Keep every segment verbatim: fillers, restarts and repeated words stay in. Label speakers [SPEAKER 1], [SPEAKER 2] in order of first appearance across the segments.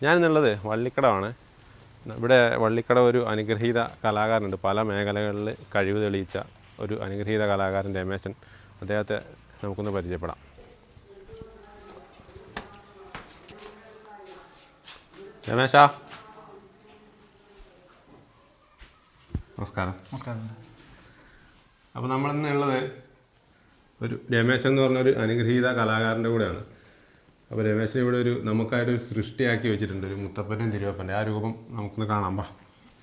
[SPEAKER 1] ഞാനെന്നുള്ളത് വള്ളിക്കടമാണ്. ഇവിടെ വള്ളിക്കട ഒരു അനുഗ്രഹീത കലാകാരനുണ്ട്. പല മേഖലകളിൽ കഴിവ് തെളിയിച്ച ഒരു അനുഗ്രഹീത കലാകാരൻ രമേശൻ. അദ്ദേഹത്തെ നമുക്കൊന്ന് പരിചയപ്പെടാം. രമേശ, നമസ്കാരം.
[SPEAKER 2] നമസ്കാരം.
[SPEAKER 1] അപ്പോൾ നമ്മളിന്നുള്ളത് ഒരു രമേശൻ എന്ന് പറഞ്ഞൊരു അനുഗ്രഹീത കലാകാരൻ്റെ കൂടെയാണ്. അപ്പോൾ രമേശൻ ഇവിടെ ഒരു നമുക്കായിട്ടൊരു സൃഷ്ടിയാക്കി വെച്ചിട്ടുണ്ട്, ഒരു മുത്തപ്പൻ്റെയും തിരുവപ്പൻ്റെ. ആ രൂപം നമുക്കൊന്ന് കാണാം. പാ,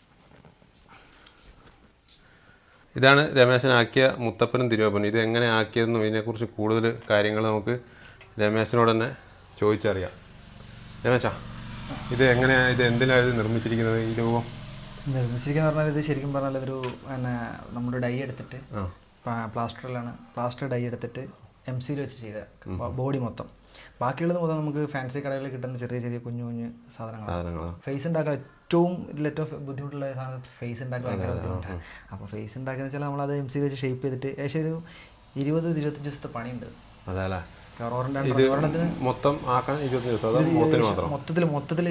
[SPEAKER 1] ഇതാണ് രമേശനാക്കിയ മുത്തപ്പനും തിരുവപ്പനും. ഇത് എങ്ങനെ ആക്കിയതെന്നും ഇതിനെക്കുറിച്ച് കൂടുതൽ കാര്യങ്ങൾ നമുക്ക് രമേശനോട് തന്നെ ചോദിച്ചറിയാം. രമേശ, ഇത് എങ്ങനെയാണ്, ഇത് എന്തിനാണ് ഇത് നിർമ്മിച്ചിരിക്കുന്നത്? ഈ രൂപം
[SPEAKER 2] നിർമ്മിച്ചിരിക്കുന്ന പറഞ്ഞാൽ ഇത് ശരിക്കും പറഞ്ഞാൽ ഇതൊരു പിന്നെ നമ്മുടെ ഡൈ എടുത്തിട്ട് പ്ലാസ്റ്ററിലാണ് പ്ലാസ്റ്റർ ഡൈ എടുത്തിട്ട് എം സിയിൽ വെച്ച് ചെയ്ത ബോഡി മൊത്തം. ബാക്കിയുള്ളത് മൊത്തം നമുക്ക് ഫാൻസി കടകളിൽ കിട്ടുന്ന ചെറിയ ചെറിയ കുഞ്ഞു കുഞ്ഞു സാധനങ്ങൾ. ഫേസ് ഉണ്ടാക്കാൻ ഏറ്റവും ഇതിൽ ഏറ്റവും ബുദ്ധിമുട്ടുള്ള സാധനം ഫേസ് ഉണ്ടാക്കാൻ ഭയങ്കര ബുദ്ധിമുട്ടാണ്. അപ്പോൾ ഫേസ് ഉണ്ടാക്കുന്ന വെച്ചാൽ നമ്മളത് എം സിയിൽ വെച്ച് ഷേപ്പ് ചെയ്തിട്ട് ഏകദേശം ഒരു ഇരുപത് ഇരുപത്തഞ്ച് ദിവസത്തെ പണിയുണ്ട്.
[SPEAKER 1] അതല്ലേ
[SPEAKER 2] മൊത്തം മൊത്തത്തിൽ മൊത്തത്തിൽ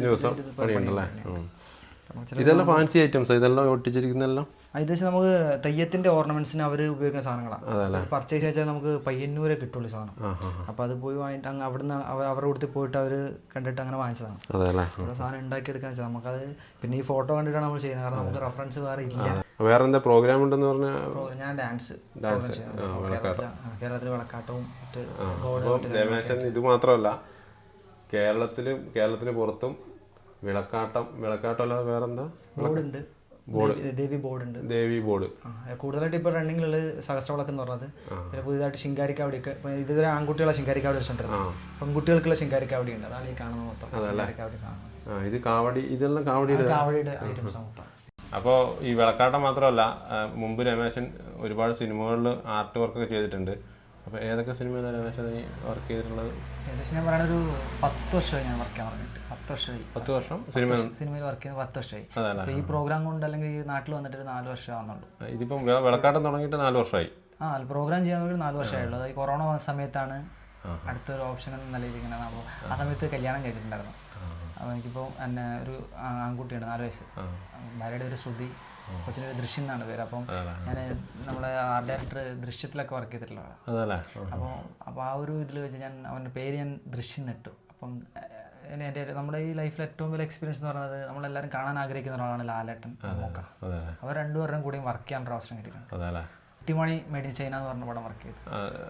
[SPEAKER 1] ഇതെല്ലാം ഫാൻസി ഐറ്റംസ്, ഇതെല്ലാം ഒട്ടിച്ചിരിക്കുന്നതെല്ലാം
[SPEAKER 2] ഇത് നമുക്ക് തെയ്യത്തിന്റെ ഓർണമെന്റ്സിന് അവർ ഉപയോഗിക്കുന്ന സാധനങ്ങളാണ്. പർച്ചേസ് ചെയ്താൽ നമുക്ക് പയ്യന്നൂരെ കിട്ടുള്ളൂ സാധനം. അപ്പോൾ അത് പോയി വാങ്ങിയിട്ട് അങ്ങ് അവിടുന്ന് അവരുടെ കൂട്ടത്തിൽ പോയിട്ട് അവർ കണ്ടിട്ട് അങ്ങനെ വാങ്ങിച്ചതാണ്. ഓരോ സാധനം ഉണ്ടാക്കിയെടുക്കാൻ വെച്ചാൽ നമുക്കത് പിന്നെ ഈ ഫോട്ടോ കണ്ടിട്ടാണ് നമ്മൾ ചെയ്യുന്നത്. കാരണം നമുക്ക് റെഫറൻസ് വേറെ ഇല്ല.
[SPEAKER 1] വേറെ എന്താ പ്രോഗ്രാം ഉണ്ടെന്ന് പറഞ്ഞാൽ
[SPEAKER 2] ഞാൻ ഡാൻസ് കേരളത്തിൽ വിളക്കാട്ടവും
[SPEAKER 1] രമേശൻ ഇത് മാത്രമല്ല, കേരളത്തിലും കേരളത്തിന് പുറത്തും വിളക്കാട്ടം വിളക്കാട്ടം അല്ലാതെ വേറെന്താ
[SPEAKER 2] ബോർഡുണ്ട്, ദേവി ബോർഡ് ഉണ്ട്.
[SPEAKER 1] ദേവി ബോർഡ്
[SPEAKER 2] കൂടുതലായിട്ട് ഇപ്പോൾ റണ്ണിങ്ങിലുള്ളത് സഹസ്രവിളക്ക് എന്ന് പറഞ്ഞത്. പിന്നെ പുതിയതായിട്ട് ശിങ്കാരിക്കാവടിയൊക്കെ ഇതുവരെ ആൺകുട്ടികളെ ശിങ്കാരിക്കാവടി വെച്ചിട്ടുണ്ടായിരുന്നു. പെൺകുട്ടികൾക്കുള്ള ശിങ്കാരിക്കാവടി ഉണ്ട്. അതാണ് ഈ കാണുന്നത് മൊത്തം ശിങ്കാരിക്കാവടി സാധനം.
[SPEAKER 1] ഇത് കാവടി, ഇതെല്ലാം കാവടി
[SPEAKER 2] കാവടിയുടെ ഐറ്റംസ് മൊത്തം.
[SPEAKER 1] അപ്പോൾ ഈ വിളക്കാട്ടം മാത്രമല്ല, മുമ്പ് രമേശൻ ഒരുപാട് സിനിമകളിൽ ആർട്ട് വർക്കൊക്കെ ചെയ്തിട്ടുണ്ട്. അപ്പോൾ ഏതൊക്കെ സിനിമയിലാണ് രമേശൻ നീ വർക്ക് ചെയ്തിട്ടുള്ളത്?
[SPEAKER 2] ഏകദേശം ഞാൻ പറയുന്നത് ഒരു പത്ത് വർഷമായി ഞാൻ വർക്ക് ചെയ്യാൻ തുടങ്ങിയിട്ട്. പത്ത് വർഷമായി
[SPEAKER 1] പത്ത് വർഷം സിനിമ
[SPEAKER 2] സിനിമയിൽ വർക്ക് ചെയ്യുന്നത് പത്ത് വർഷമായി. അപ്പോൾ ഈ പ്രോഗ്രാം കൊണ്ട് അല്ലെങ്കിൽ ഈ നാട്ടിൽ വന്നിട്ട് ഒരു നാല് വർഷം ആവുന്നുള്ളൂ.
[SPEAKER 1] ഇതിപ്പം വിളക്കാട്ടം തുടങ്ങിയിട്ട് നാല് വർഷമായി.
[SPEAKER 2] ആ പ്രോഗ്രാം ചെയ്യാൻ വേണ്ടി നാല് വർഷമായുള്ളൂ. അത് ഈ കൊറോണ വന്ന സമയത്താണ് അടുത്തൊരു ഓപ്ഷൻ എന്ന നിലയിൽ ഇങ്ങനെ. അപ്പോൾ ആ സമയത്ത് കല്യാണം കഴിഞ്ഞിട്ടുണ്ടായിരുന്നു. അപ്പോൾ എനിക്കിപ്പോൾ എന്നെ ഒരു ആൺകുട്ടിയാണ്, നാല് വയസ്സ്. ഭാര്യയുടെ ഒരു ശ്രുതി, കൊച്ചിനൊരു ദൃശ്യം എന്നാണ് പേര്. അപ്പം ഞാൻ നമ്മളെ ആർട്ട് ഡയറക്ടർ ദൃശ്യത്തിലൊക്കെ വർക്ക് ചെയ്തിട്ടുള്ളതാണ്. അപ്പോൾ അപ്പോൾ ആ ഒരു ഇതിൽ വെച്ച് ഞാൻ അവൻ്റെ പേര് ഞാൻ ദൃശ്യം നിട്ടു. അപ്പം എൻ്റെ നമ്മുടെ ഈ ലൈഫിൽ ഏറ്റവും വലിയ എക്സ്പീരിയൻസ് എന്ന് പറയുന്നത് നമ്മളെല്ലാവരും കാണാൻ ആഗ്രഹിക്കുന്ന ഒരാളാണ് ലാലേട്ടൻ, മമ്മൂക്ക. അവർ രണ്ടുപേരുടെയും കൂടെയും വർക്ക് ചെയ്യാൻ അവസരം കിട്ടിയിട്ടുണ്ട്. കുട്ടിമണി മെയ്ഡ് ഇൻ ചൈന എന്ന് പറഞ്ഞ പടം വർക്ക് ചെയ്തു,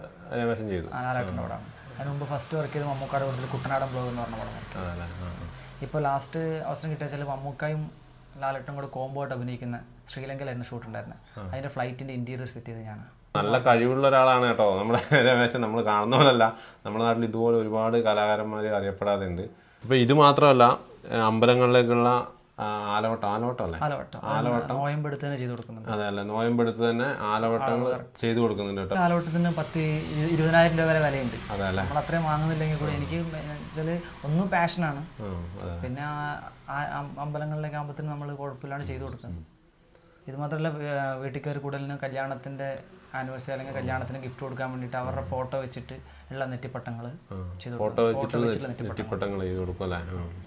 [SPEAKER 2] ലാലേട്ടൻ്റെ പടമാണ്. അതിന് മുമ്പ് ഫസ്റ്റ് വർക്ക് ചെയ്ത് മമ്മൂക്കാട് കൂടുതൽ കുട്ടനാടൻ ബ്ലോഗ് എന്ന് പറഞ്ഞ പടം വർക്ക് ചെയ്തു. ഇപ്പോൾ ലാസ്റ്റ് അവസരം കിട്ടിയ വെച്ചാൽ മമ്മൂക്കായും ലാലേട്ടും കൂടെ കോംബോ ആയിട്ട് അഭിനയിക്കുന്ന ശ്രീലങ്കയിലായിരുന്നു ഷൂട്ട് ഉണ്ടായിരുന്നത്. അതിൻ്റെ ഫ്ലൈറ്റിൻ്റെ ഇൻറ്റീരിയർ സെറ്റ് ചെയ്ത് ഞാൻ. നല്ല കഴിവുള്ള ഒരാളാണ് കേട്ടോ നമ്മുടെ രമേശൻ. നമ്മൾ കാണുന്ന പോലല്ല, നമ്മുടെ നാട്ടിൽ ഇതുപോലെ ഒരുപാട് കലാകാരന്മാർ അറിയപ്പെടാതെ ഉണ്ട്. ഇപ്പോൾ ഇത് മാത്രമല്ല, അമ്പലങ്ങളിലേക്കുള്ള ആലവട്ടം ആലവട്ടം അല്ലേ ആലവട്ടം നോയമ്പെടുത്ത് തന്നെ ചെയ്ത് കൊടുക്കുന്നുണ്ട്.
[SPEAKER 1] അതെ അല്ലേ, നോയമ്പെടുത്ത് തന്നെ ആലവട്ടങ്ങൾ ചെയ്ത് കൊടുക്കുന്നുണ്ട് കേട്ടോ.
[SPEAKER 2] ആലവട്ടത്തിന് പത്ത് ഇരുപതിനായിരം രൂപ വരെ വിലയുണ്ട്. അതെ അല്ലേ, നമ്മൾ അത്രയും വാങ്ങുന്നില്ലെങ്കിൽ കൂടി എനിക്ക് വെച്ചാൽ ഒന്നും പാഷനാണ്. പിന്നെ അമ്പലങ്ങളിലേക്ക് ആകുമ്പോഴത്തേനും നമ്മൾ കുഴപ്പമില്ലാണ്ട് ചെയ്ത് കൊടുക്കുന്നത്. ഇത് മാത്രമല്ല, വീട്ടിൽ കയറി കൂടുതലും കല്യാണത്തിൻ്റെ ആനിവേഴ്സറി അല്ലെങ്കിൽ കല്യാണത്തിന് ഗിഫ്റ്റ് കൊടുക്കാൻ വേണ്ടിയിട്ട് അവരുടെ ഫോട്ടോ വെച്ചിട്ട് ഉള്ള നെറ്റിപ്പട്ടങ്ങൾ ചെയ്ത്
[SPEAKER 1] ഫോട്ടോ വെച്ചിട്ടുള്ള നെറ്റിപ്പട്ടങ്ങൾ ചെയ്ത് കൊടുക്കും അല്ലേ.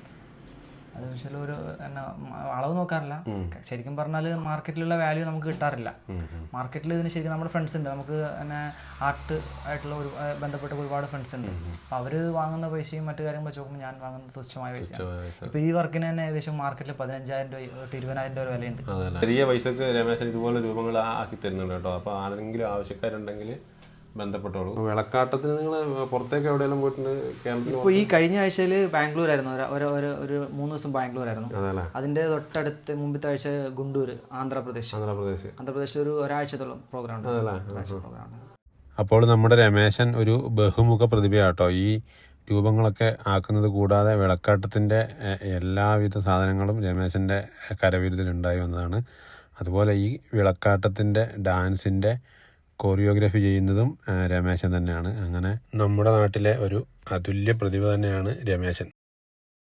[SPEAKER 2] അത് പക്ഷേ ഒരു എന്നാ അളവ് നോക്കാറില്ല. ശരിക്കും പറഞ്ഞാൽ മാർക്കറ്റിലുള്ള വാല്യൂ നമുക്ക് കിട്ടാറില്ല. മാർക്കറ്റിൽ ഇതിന് ശരിക്കും നമ്മുടെ ഫ്രണ്ട്സ് ഉണ്ട്, നമുക്ക് തന്നെ ആർട്ട് ആയിട്ടുള്ള ഒരു ബന്ധപ്പെട്ട ഒരുപാട് ഫ്രണ്ട്സ് ഉണ്ട്. അപ്പോൾ അവർ വാങ്ങുന്ന പൈസയും മറ്റു കാര്യങ്ങൾ വെച്ച് നോക്കുമ്പോൾ ഞാൻ വാങ്ങുന്ന തുച്ഛമായ പൈസ. ഇപ്പോൾ ഈ വർക്കിന് തന്നെ ഏകദേശം മാർക്കറ്റിൽ പതിനഞ്ചായിരം രൂപ തൊട്ട് ഇരുപതിനായിരം രൂപ വിലയുണ്ട്.
[SPEAKER 1] ചെറിയ പൈസക്ക് രമേശൻ ഇതുപോലെ രൂപങ്ങൾ ആക്കി തരുന്നുണ്ട് കേട്ടോ. അപ്പോൾ ആരെങ്കിലും ആവശ്യക്കാരുണ്ടെങ്കിൽ ബന്ധപ്പെട്ടോളൂ. വിളക്കാട്ടത്തിന് നിങ്ങൾ പുറത്തേക്ക് എവിടെയെല്ലാം പോയിട്ടുണ്ട് കേരളത്തിൽ?
[SPEAKER 2] ഇപ്പോൾ ഈ കഴിഞ്ഞ ആഴ്ചയിൽ ബാംഗ്ലൂരായിരുന്നു, ഒരു ഒരു മൂന്ന് ദിവസം ബാംഗ്ലൂരായിരുന്നു. അതിൻ്റെ തൊട്ടടുത്ത് മുമ്പത്തെ ആഴ്ച ഗുണ്ടൂർ, ആന്ധ്രാപ്രദേശ് ആന്ധ്രാപ്രദേശ് ആന്ധ്രാപ്രദേശിൽ ഒരു ഒരാഴ്ചത്തോളം പ്രോഗ്രാം ഉണ്ട്.
[SPEAKER 1] അപ്പോൾ നമ്മുടെ രമേശൻ ഒരു ബഹുമുഖ പ്രതിഭയാട്ടോ. ഈ രൂപങ്ങളൊക്കെ ആക്കുന്നത് കൂടാതെ വിളക്കാട്ടത്തിൻ്റെ എല്ലാവിധ സാധനങ്ങളും രമേശൻ്റെ കരവിരുതിലുണ്ടായി വന്നതാണ്. അതുപോലെ ഈ വിളക്കാട്ടത്തിൻ്റെ ഡാൻസിൻ്റെ കോറിയോഗ്രാഫി ചെയ്യുന്നതും രമേശൻ തന്നെയാണ്. അങ്ങനെ നമ്മുടെ നാട്ടിലെ ഒരു അതുല്യ പ്രതിഭ തന്നെയാണ് രമേശൻ.